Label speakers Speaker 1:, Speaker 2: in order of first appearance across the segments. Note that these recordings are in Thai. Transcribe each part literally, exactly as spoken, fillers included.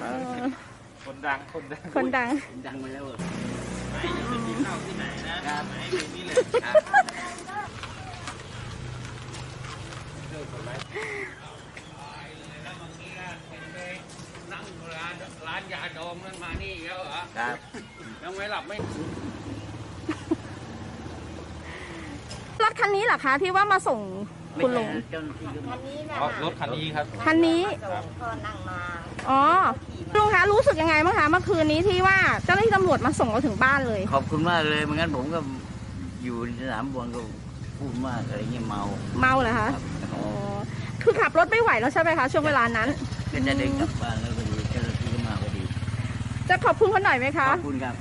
Speaker 1: คนดังคนดัง
Speaker 2: คนดัง
Speaker 3: ดังมาแล้ว
Speaker 1: ไม่จะไปกินเหล้าที่ไหนนะไม่แบบนี้เลยครับนั่งร้านร้านยาดองนั่นมานี่แล้วเหรอครับยังไม่หลับไม่
Speaker 2: รถคันนี้เหรอคะที่ว่ามาส่งคุณลุง
Speaker 3: คันนี้นะ
Speaker 1: รถคันนี้ครับ
Speaker 2: คันนี้
Speaker 3: ก็นั่งมา
Speaker 2: อ๋อลุงคะรู้สึกยังไงบ้างคะเมื่อคืนนี้ที่ว่าเจ้าหน้าที่ตำรวจมาส่งเราถึงบ้านเลย
Speaker 3: ขอบคุณมากเลยไม่งั้นผมก็อยู่ในสนามบอลก็พูดมากอะไรเงี้ยเมา
Speaker 2: เมาเหรอคะอ๋อคือขับรถไม่ไหวแล้วใช่ไหมคะช่วงเวลานั้น
Speaker 3: ก็จะเดินกลับบ้านแล้วพอดีเจ้าหน้าที่ก็มาพอดี
Speaker 2: จะขอบคุณคนหน่อยไหมคะ
Speaker 3: ขอบคุณครับ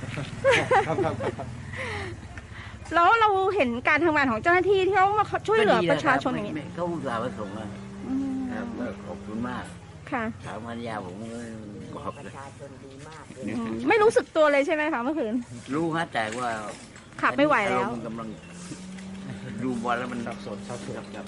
Speaker 2: แล้วเราเห็นการทำงานของเจ้าหน้าที่ที่เขามาช่วยเหลือประชาชนอย่างนี้
Speaker 3: เขาอุตส่าห์มาส่งมาครับขอบคุณมาก
Speaker 2: ค่ะ
Speaker 3: ถามภรรยาผมบอกประชาชนดีมาก
Speaker 2: ไม่รู้สึกตัวเลยใช่ไหมคะเมื่อคืน
Speaker 3: รู้ฮะแต่ว่า
Speaker 2: ขับไม่ไหวแล้ว
Speaker 3: กำลังดูบอลแล้วมัน
Speaker 1: สับสนสับสนครับ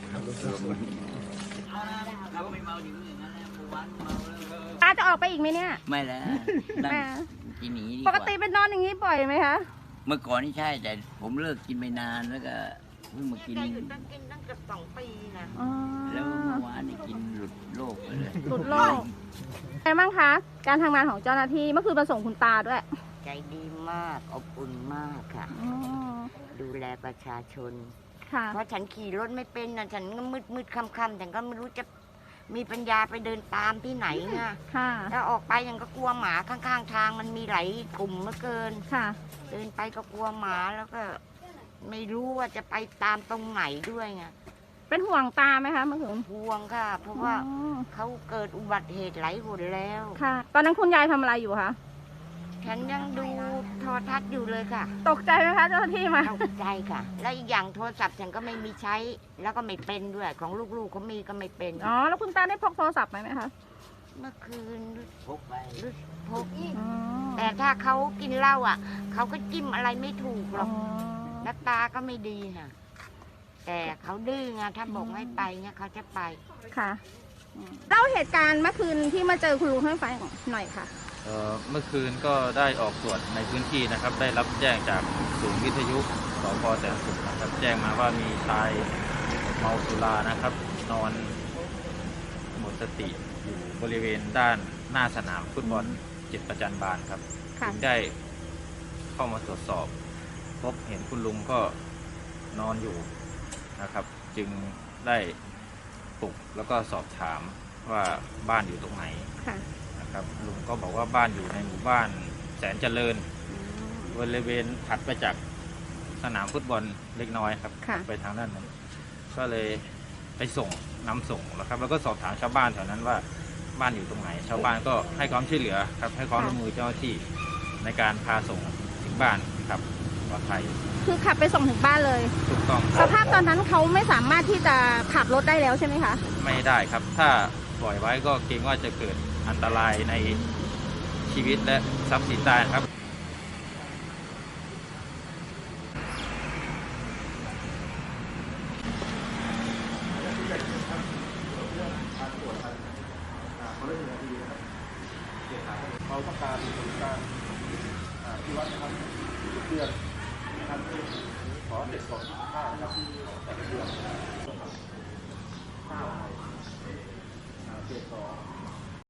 Speaker 3: เราไม่เมาอยู่อย่างนั้นแล้ววันเมาแล้ว
Speaker 2: ตาจะออกไปอีกไหมเนี่ย
Speaker 3: ไม่แล้วกินหนี
Speaker 2: ปกติเป็นนอนอย่างนี้บ่อยไหมคะ
Speaker 3: เมื่อก่อนนี่ใช่แต่ผมเลิกกินไปนานแล้วก็เพิ่งมากิน
Speaker 4: ตั้งกินตั้งเกือบสองปีนะ
Speaker 3: แล้วเมื่อวานนี่กินหลุดโลกไปเลย
Speaker 2: หลุดโลกไงบ้างคะการทำงานของเจ้าหน้าที่เมื่อคืนมาส่งคุณตาด้วย
Speaker 4: ใจดีมากอบอุ่นมากค่ะดูแลประชาชนเพราะฉันขี่รถไม่เป็นนะฉันก็มืดมืดค่ำๆแต่ก็ไม่รู้จะมีปัญญาไปเดินตามที่ไหนไงถ้าออกไปยังก็กลัวหมาข้างๆทางมันมีหลายกลุ่มเหลือเกิน
Speaker 2: ค่ะ
Speaker 4: เดินไปก็กลัวหมาแล้วก็ไม่รู้ว่าจะไปตามตรงไหนด้วยไง
Speaker 2: เป็นห่วงตาไหมคะเมื่อคืน
Speaker 4: ห่วงค่ะเพราะว่าเขาเกิดอุบัติเหตุหลายหนแล้ว
Speaker 2: ค่ะตอนนั้นคุณยายทำอะไรอยู่คะ
Speaker 4: ฉันยังดูโทรทัศน์อยู่เลยค่ะ
Speaker 2: ตกใจไหมคะเจ้าหน้าที่มา
Speaker 4: ตกใจค่ะแล้วอีกอย่างโทรศัพท์ฉันก็ไม่มีใช้แล้วก็ไม่เป็นด้วยของลูกๆเขามีก็ไม่เป็น
Speaker 2: อ๋อแล้วคุณตาได้พกโทรศัพท์ไหมไหมคะ
Speaker 4: เมื่อคืน
Speaker 3: พกไป
Speaker 4: พกแต่ถ้าเขากินเหล้าอ่ะเขาก็จิ้มอะไรไม่ถูกหรอกหน้าตาก็ไม่ดีค่ะแต่เขาดื้อไงถ้าบอกไม่ไปเนี่ยเขาจะไป
Speaker 2: ค่ะเล่าเหตุการณ์เมื่อคืนที่มาเจอคุณลุงให้ฟังหน่อยค่ะ
Speaker 1: เมื่อคืนก็ได้ออกตรวจในพื้นที่นะครับได้รับแจ้งจากศูนย์วิทยุสพ.แสนสุขนะครับแจ้งมาว่ามีชายเมาสุรานะครับนอนหมดสติอยู่บริเวณด้านหน้าสนามฟุตบอลจิตประจันบานครับจึงได้เข้ามาตรวจสอบพบเห็นคุณลุงก็นอนอยู่นะครับจึงได้ปลุกแล้วก็สอบถามว่าบ้านอยู่ตรงไหนนะครับลุงก็บอกว่าบ้านอยู่ในหมู่บ้านแสนเจริญบริเวณถัดไปจากสนามฟุตบอลเล็กน้อยครับไปทางด้านนั้นก็เลยไปส่งนำส่งแล้วครับแล้วก็สอบถามชาวบ้านแถวนั้นว่าบ้านอยู่ตรงไหนชาวบ้านก็ให้ความช่วยเหลือครับให้ความร่วมมือเจ้าหน้าที่ในการพาส่งถึงบ้านครับปลอดภัย
Speaker 2: คือขับไปส่งถึงบ้านเลย
Speaker 1: ถูกต้อง
Speaker 2: สภาพตอนนั้นเขาไม่สามารถที่จะขับรถได้แล้วใช่ไหมคะ
Speaker 1: ไม่ได้ครับถ้าปล่อยไว้ก็เกรงว่าจะเกิดอันตรายในชีวิตและทรัพย์สินได้ครับ
Speaker 5: เราต้องการการที่วัดนะครับทุกเดือนนะครับขอเด็กสองห้านะครับแต่ละเดือนห้าเจ็ดสอง